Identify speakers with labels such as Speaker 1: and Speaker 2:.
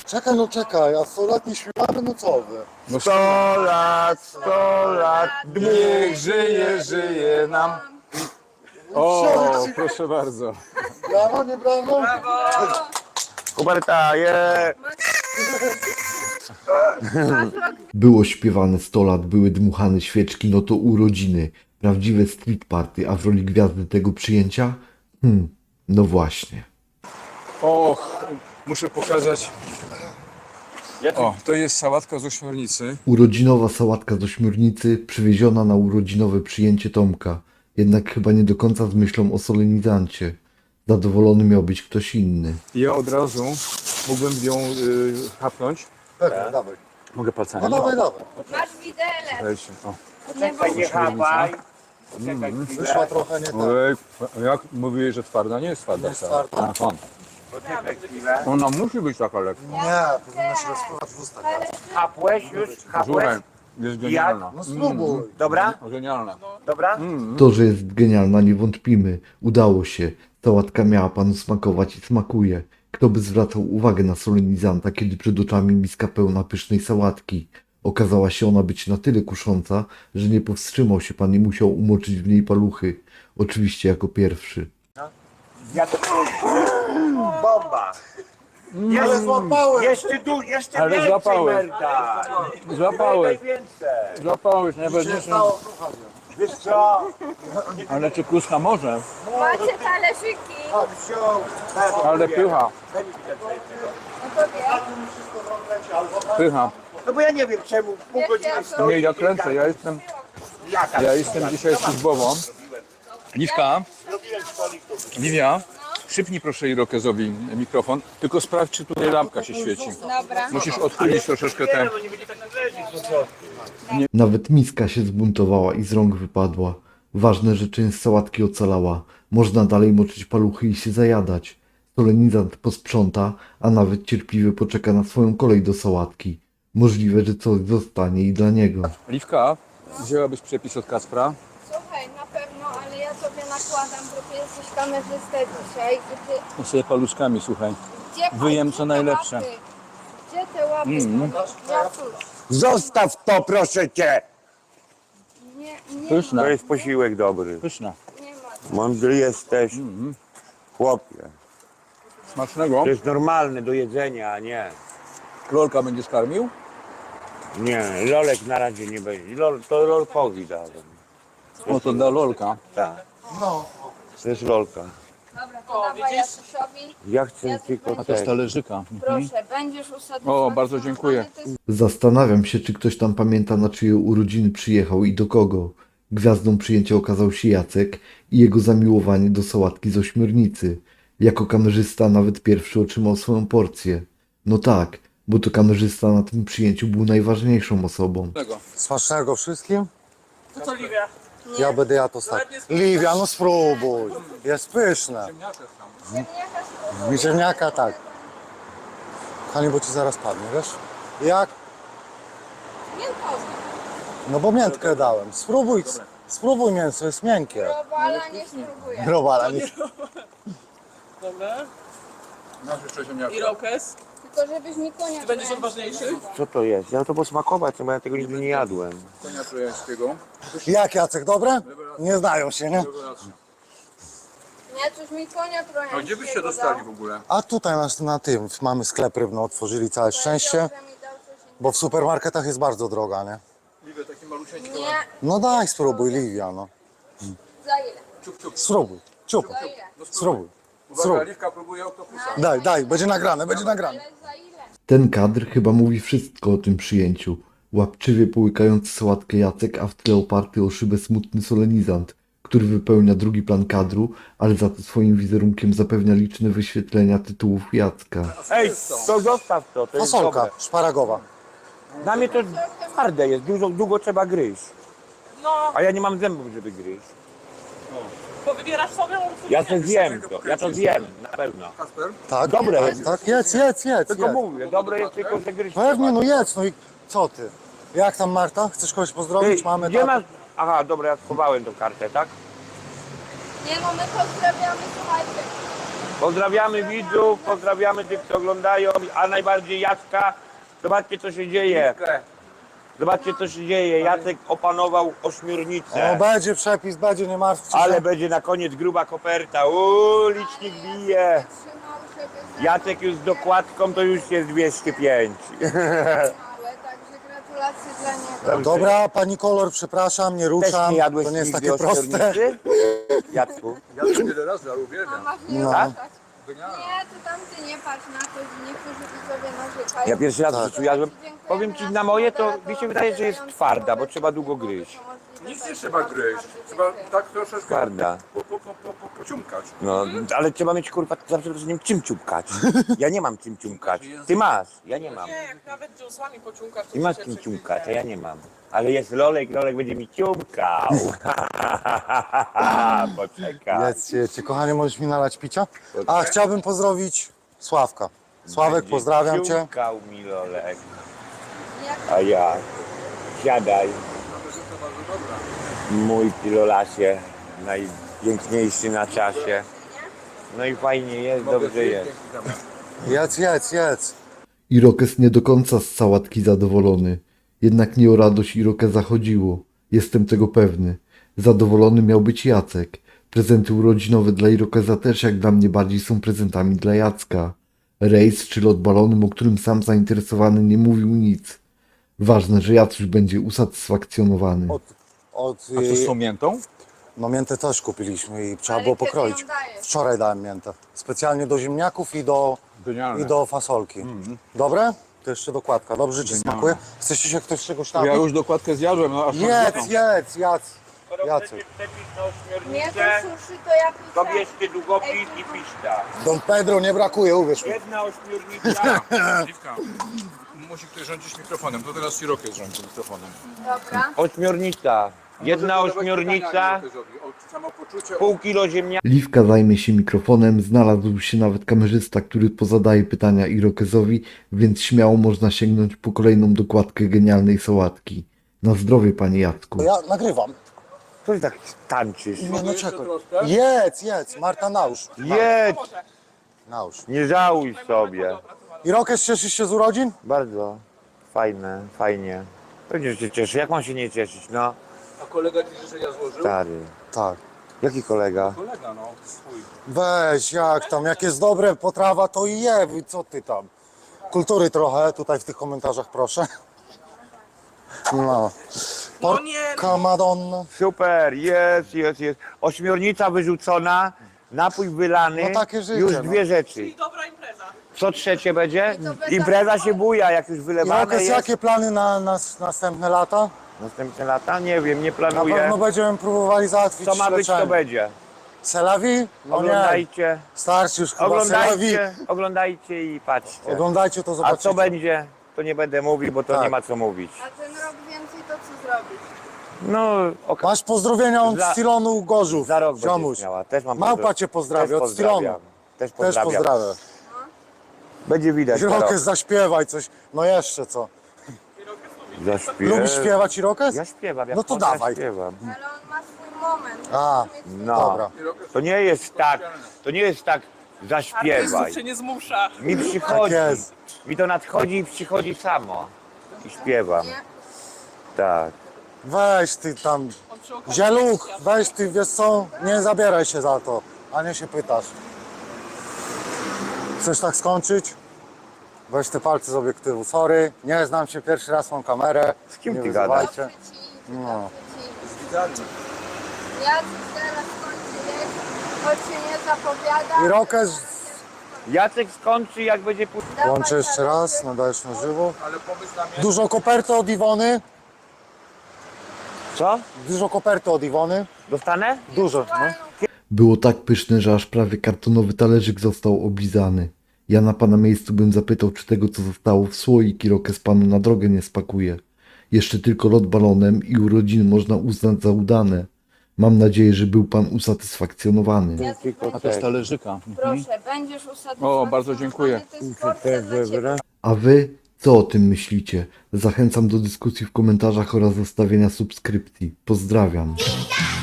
Speaker 1: Czekaj, no czekaj, a 100 lat nie śpiewamy, no co wy?
Speaker 2: No 100 lat, niech żyje, żyje nam. O, proszę bardzo.
Speaker 1: Brawo, nie brawo?
Speaker 3: Kuberta, je!
Speaker 4: Było śpiewane 100 lat, były dmuchane świeczki, no to urodziny. Prawdziwe street party, a w roli gwiazdy tego przyjęcia? No właśnie.
Speaker 2: Och, muszę pokazać. O, to jest sałatka z ośmiornicy.
Speaker 4: Urodzinowa sałatka z ośmiornicy przywieziona na urodzinowe przyjęcie Tomka. Jednak chyba nie do końca z myślą o solenizancie. Zadowolony miał być ktoś inny.
Speaker 2: Ja od razu mógłbym ją chapnąć.
Speaker 1: Pewnie, dawaj.
Speaker 2: Mogę palcami?
Speaker 1: No dawaj, dawaj.
Speaker 5: Masz widelec.
Speaker 2: Weźcie, o.
Speaker 3: Czekaj, nie chapaj. Czekaj
Speaker 1: Wyszła trochę nie tak.
Speaker 2: Ojej, jak mówiłeś, że twarda? Nie jest twarda.
Speaker 1: Jest twarda.
Speaker 2: Aha.
Speaker 3: Poczekaj chwilę.
Speaker 2: Ona musi być taka lekka.
Speaker 1: Nie, powinna się rozpływać w ustach.
Speaker 3: Chapłeś już? Chapłeś?
Speaker 2: Słuchaj, jest genialna.
Speaker 1: No spróbuj.
Speaker 3: Dobra?
Speaker 2: Genialna.
Speaker 3: Dobra?
Speaker 4: To, że jest genialna, nie wątpimy. Udało się. Sałatka miała panu smakować i smakuje. Kto by zwracał uwagę na solenizanta, kiedy przed oczami miska pełna pysznej sałatki. Okazała się ona być na tyle kusząca, że nie powstrzymał się pan i musiał umoczyć w niej paluchy. Oczywiście jako pierwszy.
Speaker 3: Ja to... Bomba!
Speaker 1: Ale złapałem!
Speaker 3: Jeszcze
Speaker 2: Ale
Speaker 3: więcej,
Speaker 2: złapałeś.
Speaker 3: Merda!
Speaker 2: Złapałeś,
Speaker 3: Więcej!
Speaker 2: złapałeś,
Speaker 1: Się
Speaker 2: najważniejsze.
Speaker 1: stało, kochanie.
Speaker 3: Wiesz co?
Speaker 2: Ale czy kluska może?
Speaker 5: Macie talerzyki.
Speaker 1: Tak, wziął.
Speaker 2: Ale pycha,
Speaker 5: No to wie.
Speaker 2: pycha.
Speaker 3: No bo ja nie wiem czemu pół godziny stoi.
Speaker 2: Nie, ja kręcę, ja jestem dzisiaj służbowo. Liwka, Liwia, szybnij proszę Irokezowi mikrofon, tylko sprawdź, czy tutaj lampka się świeci.
Speaker 5: Dobra.
Speaker 2: Musisz odchylić troszeczkę te...
Speaker 4: Nawet miska się zbuntowała i z rąk wypadła. Ważne, że część sałatki ocalała. Można dalej moczyć paluchy i się zajadać. Solenizant posprząta, a nawet cierpliwie poczeka na swoją kolej do sałatki. Możliwe, że coś zostanie i dla niego.
Speaker 2: Liwka, wzięłabyś przepis od Kacpra?
Speaker 5: Słuchaj, na pewno, ale ja sobie nakładam, bo ty jesteś kamerzystą dzisiaj. I ty...
Speaker 2: No sobie paluszkami, słuchaj.
Speaker 5: Gdzie,
Speaker 2: Wyjem
Speaker 5: gdzie
Speaker 2: co
Speaker 5: te
Speaker 2: najlepsze.
Speaker 5: łapy? Gdzie te łapy? Ja cóż.
Speaker 3: Zostaw to, proszę cię!
Speaker 5: Nie
Speaker 2: Pyszna,
Speaker 3: To jest posiłek dobry.
Speaker 2: pyszna.
Speaker 5: nie ma.
Speaker 3: Mądry jesteś, chłopie.
Speaker 2: Smacznego.
Speaker 3: To jest normalne do jedzenia, a nie.
Speaker 2: Lolka będziesz karmił?
Speaker 3: Nie, lolek na razie nie będzie. To lolkowi dałem.
Speaker 2: O, to dla Lolka.
Speaker 3: Tak,
Speaker 1: No,
Speaker 3: to jest lolka.
Speaker 5: Dobra, to dawaj Jasusiowi.
Speaker 3: Ja chcę tylko
Speaker 2: A to z
Speaker 3: tak.
Speaker 2: talerzyka.
Speaker 5: Proszę, będziesz usatysfakcjonowany.
Speaker 2: O, bardzo dziękuję.
Speaker 5: To jest
Speaker 4: Zastanawiam się, czy ktoś tam pamięta, na czyje urodziny przyjechał i do kogo. Gwiazdą przyjęcia okazał się Jacek i jego zamiłowanie do sałatki z ośmiornicy. Jako kamerzysta nawet pierwszy otrzymał swoją porcję. No tak, bo to kamerzysta na tym przyjęciu był najważniejszą osobą.
Speaker 1: smacznego wszystkim. Ja będę jadł ostatni. Liwia, no spróbuj. Jest pyszne.
Speaker 5: ziemniaka z
Speaker 1: Mi ziemniaka tak. Kochanie, bo ci zaraz padnie, wiesz? Jak?
Speaker 5: miętowym.
Speaker 1: No bo miętkę dałem. Spróbuj mięso, jest miękkie.
Speaker 5: Robala nie spróbuję.
Speaker 1: Robala, nie.
Speaker 2: Masz jeszcze ziemniaka.
Speaker 6: Irokes.
Speaker 5: Tylko żebyś mi konia
Speaker 6: Ty będziesz
Speaker 5: kręcił.
Speaker 6: odważniejszy?
Speaker 3: Co to jest? Ja to posmakować, bo ja tego nigdy nie jadłem.
Speaker 2: Konia trojańskiego.
Speaker 1: Jak, Jacek, dobre? Nie znają się, nie?
Speaker 5: Nie, coś mi konia trochę.
Speaker 2: A gdzie byście dostali w ogóle?
Speaker 1: A tutaj na tym mamy sklep rybny, otworzyli całe szczęście, bo w supermarketach jest bardzo droga, nie?
Speaker 2: Liwia, taki malusieńki.
Speaker 5: Nie,
Speaker 1: No daj, spróbuj, Liwia, no.
Speaker 5: za ile?
Speaker 1: Spróbuj, ciup,
Speaker 5: Za ile?
Speaker 1: spróbuj.
Speaker 2: Uwaga,
Speaker 1: Spróbuj.
Speaker 2: Liwka próbuje oktopusa.
Speaker 1: Daj, będzie nagrane, będzie nagrane.
Speaker 5: Ale za ile?
Speaker 4: Ten kadr chyba mówi wszystko o tym przyjęciu. Łapczywie połykający sałatkę Jacek, a w tle oparty o szybę smutny solenizant, który wypełnia drugi plan kadru, ale za to swoim wizerunkiem zapewnia liczne wyświetlenia tytułów Jacka.
Speaker 3: Ej, to zostaw to, to jest
Speaker 1: Fasolka
Speaker 3: dobre.
Speaker 1: szparagowa.
Speaker 3: Dla mnie to twarde jest, długo trzeba gryźć.
Speaker 6: No,
Speaker 3: A ja nie mam zębów, żeby gryźć.
Speaker 6: bo wybierasz sobie,
Speaker 3: Ja to zjem, ja to zjem, na pewno.
Speaker 2: Kasper?
Speaker 1: Tak?
Speaker 3: Dobre jest.
Speaker 1: Tak, jedz.
Speaker 3: Tylko mówię, dobre jest tylko, że gryźć.
Speaker 1: Pewnie, no jedz, no i co ty? Jak tam Marta? Chcesz kogoś pozdrowić? Mamy
Speaker 3: Gdzie
Speaker 1: tak.
Speaker 3: masz... Aha, dobra, ja schowałem tą kartę, tak?
Speaker 5: Nie no, my pozdrawiamy, słuchajcie.
Speaker 3: Pozdrawiamy widzów, pozdrawiamy tych, co oglądają, a najbardziej Jacka. Zobaczcie, co się dzieje. Zobaczcie, co się dzieje. Jacek opanował
Speaker 1: O,
Speaker 3: ośmiornicę.
Speaker 1: będzie przepis, będzie, nie martwcie się.
Speaker 3: Ale będzie na koniec gruba koperta. Licznik bije.
Speaker 5: Trzymał, żeby
Speaker 3: Jacek już z dokładką to już jest 205.
Speaker 5: małe, także gratulacje dla niego.
Speaker 1: Dobra, pani kolor, przepraszam, nie
Speaker 3: Też
Speaker 1: ruszam.
Speaker 3: nie jadłeś
Speaker 1: To nie jest
Speaker 3: nigdy
Speaker 1: takie proste.
Speaker 3: ośmiornicy? Jacku?
Speaker 2: Ja to wiele razy, ale uwielbiam.
Speaker 5: Mama nie
Speaker 1: No.
Speaker 5: tak? Nie, to tam ty nie patrz na to, że niektórzy widzowie narzekają.
Speaker 3: Ja pierwszy raz w
Speaker 1: Tak.
Speaker 3: życiu jadłem. Powiem ci, na moje to mi się wydaje, że jest twarda, bo trzeba długo gryźć.
Speaker 2: Nic nie trzeba gryźć. Trzeba tak troszeczkę
Speaker 3: Twarda.
Speaker 2: pociumkać.
Speaker 3: No, ale trzeba mieć kurwa za przeproszeniem czym ciumkać. Ja nie mam czym ciumkać. Ty masz, ja nie mam.
Speaker 6: Nie, jak nawet dziąsłami pociągasz, to
Speaker 3: Ty masz
Speaker 6: się
Speaker 3: czym
Speaker 6: cieszy.
Speaker 3: ciumkać, a ja nie mam. Ale jest Lolek, Lolek będzie mi ciumkał. Poczekaj.
Speaker 1: Jedźcie, kochanie, możesz mi nalać picia? A, chciałbym pozdrowić Sławka. Sławek,
Speaker 3: Będzie
Speaker 1: pozdrawiam cię.
Speaker 3: ciumkał mi Lolek.
Speaker 5: Jak
Speaker 3: A ja. Siadaj. Mój pilolasie. Najpiękniejszy na czasie. No i fajnie jest, dobrze jest.
Speaker 1: Jedz.
Speaker 4: Irokes nie do końca z sałatki zadowolony. Jednak nie o radość Irokeza chodziło. Jestem tego pewny. Zadowolony miał być Jacek. Prezenty urodzinowe dla Irokeza też jak dla mnie bardziej są prezentami dla Jacka. Rejs czy lot balonem, o którym sam zainteresowany nie mówił nic. Ważne, że Jacuś będzie usatysfakcjonowany.
Speaker 1: Od,
Speaker 2: A co z tą miętą?
Speaker 1: no miętę też kupiliśmy i trzeba
Speaker 5: Ale
Speaker 1: było
Speaker 5: kiedy
Speaker 1: pokroić.
Speaker 5: ją dajesz?
Speaker 1: Wczoraj dałem miętę. Specjalnie do ziemniaków
Speaker 2: Genialne.
Speaker 1: i do fasolki. Dobre? To jeszcze dokładka. Dobrze ci smakuje? Chcecie się ktoś czegoś
Speaker 2: Ja
Speaker 1: napić?
Speaker 2: już dokładkę zjadłem, no aż mam
Speaker 1: Jedz,
Speaker 2: dietą.
Speaker 1: Jacek.
Speaker 5: mnie to suszy, to ja
Speaker 3: To
Speaker 5: piszę.
Speaker 3: bierzcie długopis i piszta.
Speaker 1: Don Pedro nie brakuje, uwierz mi.
Speaker 3: Jedna ośmiornica.
Speaker 2: Liwka, musi ktoś rządzić mikrofonem, to teraz Irokes rządzi mikrofonem.
Speaker 5: Dobra.
Speaker 3: Ośmiornica. Jedna ośmiornica,
Speaker 2: Samopoczucie,
Speaker 3: pół kilo ziemniaków.
Speaker 4: Liwka zajmie się mikrofonem, znalazł się nawet kamerzysta, który pozadaje pytania Irokezowi, więc śmiało można sięgnąć po kolejną dokładkę genialnej sałatki. Na zdrowie, panie Jacku.
Speaker 1: Ja nagrywam.
Speaker 3: Co ty tak tańczysz?
Speaker 1: Nie, no czekaj.
Speaker 2: troszkę?
Speaker 1: Jedz. Marta, nałóż.
Speaker 3: Jedz!
Speaker 1: Nałóż.
Speaker 3: Nie żałuj sobie.
Speaker 1: Irokes, cieszysz się z urodzin?
Speaker 3: Bardzo fajne, fajnie. Pewnie, że się cieszy. Jak mam się nie cieszyć, no?
Speaker 2: A kolega ci życzenia złożył?
Speaker 3: Stary.
Speaker 1: Tak.
Speaker 3: Jaki kolega?
Speaker 2: Kolega, no, swój.
Speaker 1: Weź, jak tam, jak jest dobre potrawa, to i je, co ty tam. Kultury trochę, tutaj w tych komentarzach proszę. No.
Speaker 6: No nie,
Speaker 1: Porca Madonna.
Speaker 3: Super, jest. Ośmiornica wyrzucona, napój wylany.
Speaker 1: No takie życie,
Speaker 3: Już
Speaker 1: no.
Speaker 3: dwie rzeczy.
Speaker 6: i dobra impreza.
Speaker 3: Co trzecie będzie?
Speaker 5: I to bez
Speaker 3: Impreza
Speaker 5: alkoholu.
Speaker 3: się buja, jak już wylewane
Speaker 1: Irokes,
Speaker 3: jest.
Speaker 1: jakie plany na następne lata?
Speaker 3: Następne lata? Nie wiem, nie
Speaker 1: Na
Speaker 3: planuję.
Speaker 1: pewno będziemy próbowali załatwić
Speaker 3: Co ma być, to
Speaker 1: leczenie.
Speaker 3: będzie.
Speaker 1: Selawi? No nie,
Speaker 3: Oglądajcie,
Speaker 1: starczy już chyba Selawi.
Speaker 3: oglądajcie i patrzcie.
Speaker 1: Oglądajcie to,
Speaker 3: A
Speaker 1: zobaczycie.
Speaker 3: co będzie, to nie będę mówił, bo to
Speaker 1: Tak.
Speaker 3: nie ma co mówić.
Speaker 5: A ten rok więcej to co zrobić?
Speaker 3: No,
Speaker 1: Masz pozdrowienia od
Speaker 3: Za-
Speaker 1: Stilonu Gorzów.
Speaker 3: za rok
Speaker 1: Ziomuś.
Speaker 3: będziesz miała. Też mam
Speaker 1: Małpa cię pozdrawia
Speaker 3: Też
Speaker 1: od Stilonu.
Speaker 3: pozdrawiam. Też
Speaker 1: Też
Speaker 3: pozdrawiam.
Speaker 1: pozdrawiam.
Speaker 3: Będzie widać za rok.
Speaker 1: Irokes, zaśpiewaj coś. No jeszcze co? Lubisz śpiewać Irokes?
Speaker 3: Ja śpiewam, jak
Speaker 1: No to
Speaker 3: można, ja
Speaker 1: dawaj.
Speaker 3: śpiewam.
Speaker 5: Ale on ma swój moment.
Speaker 1: A,
Speaker 5: Musi mieć
Speaker 3: No.
Speaker 1: dobra.
Speaker 3: To nie jest tak, zaśpiewaj.
Speaker 6: Artystów się nie zmusza.
Speaker 3: Mi przychodzi,
Speaker 1: Tak jest.
Speaker 3: mi to nadchodzi i przychodzi samo. I śpiewam,
Speaker 5: Nie?
Speaker 3: tak.
Speaker 1: Weź ty tam.
Speaker 6: On przy okazji
Speaker 1: Zieluch,
Speaker 6: światła.
Speaker 1: weź ty, wiesz co? Nie zabieraj się za to, a nie się pytasz. Chcesz tak skończyć? Weź te palce z obiektywu. Sorry, nie znam się, pierwszy raz mam kamerę.
Speaker 3: Z kim
Speaker 1: Nie
Speaker 3: ty
Speaker 1: wyzywajcie.
Speaker 3: gadasz?
Speaker 5: Dobrze ci,
Speaker 1: No.
Speaker 5: dobrze ci. Ja teraz kończę jeść, choć się nie zapowiada.
Speaker 1: Irokes,
Speaker 3: Jacek skończy, jak będzie później.
Speaker 5: Dawaj,
Speaker 1: łączę jeszcze
Speaker 5: Tadeusz.
Speaker 1: raz, nadajesz na żywo.
Speaker 2: Ale pomysł na mnie.
Speaker 1: Dużo koperty od Iwony.
Speaker 3: Co?
Speaker 1: Dużo koperty od Iwony.
Speaker 3: Dostanę?
Speaker 1: Dużo, no.
Speaker 4: Było tak pyszne, że aż prawie kartonowy talerzyk został oblizany. Ja na pana miejscu bym zapytał, czy tego, co zostało w słoik, Irokes panu na drogę nie spakuje. Jeszcze tylko lot balonem i urodziny można uznać za udane. Mam nadzieję, że był pan usatysfakcjonowany.
Speaker 5: Ja tu
Speaker 2: A też talerzyka.
Speaker 5: Proszę, będziesz usatysfakcjonowany.
Speaker 2: O, bardzo dziękuję.
Speaker 5: To jest porcja dla ciebie.
Speaker 4: A wy co o tym myślicie? Zachęcam do dyskusji w komentarzach oraz zostawienia subskrypcji. Pozdrawiam.